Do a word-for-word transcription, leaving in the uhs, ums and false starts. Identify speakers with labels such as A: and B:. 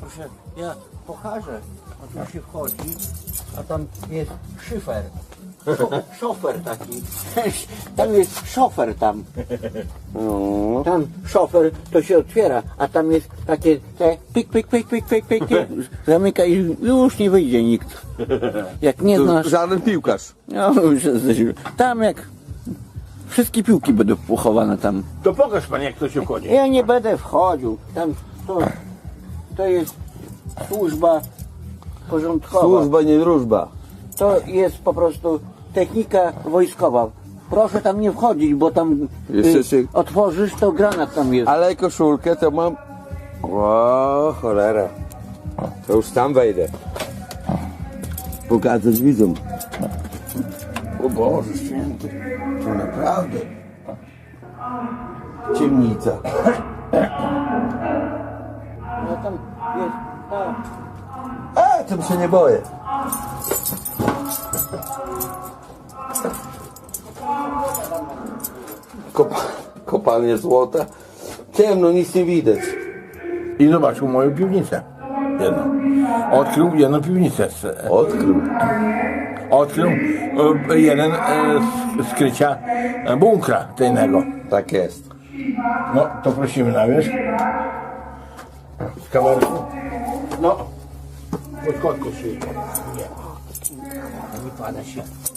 A: Proszę, ja pokażę. A tu się wchodzi, a tam jest szyfer. Szo, szofer taki. Tam jest szofer tam.
B: No.
A: Tam szofer to się otwiera, a tam jest takie te pik, pik, pik, pik, pik, pik, pik. Zamyka i już nie wyjdzie nikt. Jak nie
B: To
A: znasz.
B: żaden piłkarz.
A: No, już jesteśmy. Tam jak wszystkie piłki będą pochowane tam.
C: To pokaż pan, jak to się wchodzi.
A: Ja nie będę wchodził. Tam to, to jest służba porządkowa.
B: Służba, nie wróżba.
A: To jest po prostu technika wojskowa. Proszę tam nie wchodzić, bo tam
B: Jeszcze
A: y,
B: się-
A: otworzysz, to granat tam jest.
B: Ale koszulkę to mam... O, cholera. To już tam wejdę. Pokazać widzom.
C: O Boże święty.
B: To naprawdę ciemnica.
A: No tam jest. A,
B: A, tym się nie boję. Kopa kopalnie złota. Ciemno, nic nie widać.
C: I zobaczył moją piwnicę. Jedną. Odkrył jedną piwnicę. z-
B: Odkrył.
C: Odkrył e, jeden e, z skrycia e, bunkra tajnego.
B: Tak jest.
C: No, to prosimy na wierzch. Z kamerką. No. Pod kotku się.
A: nie pada się.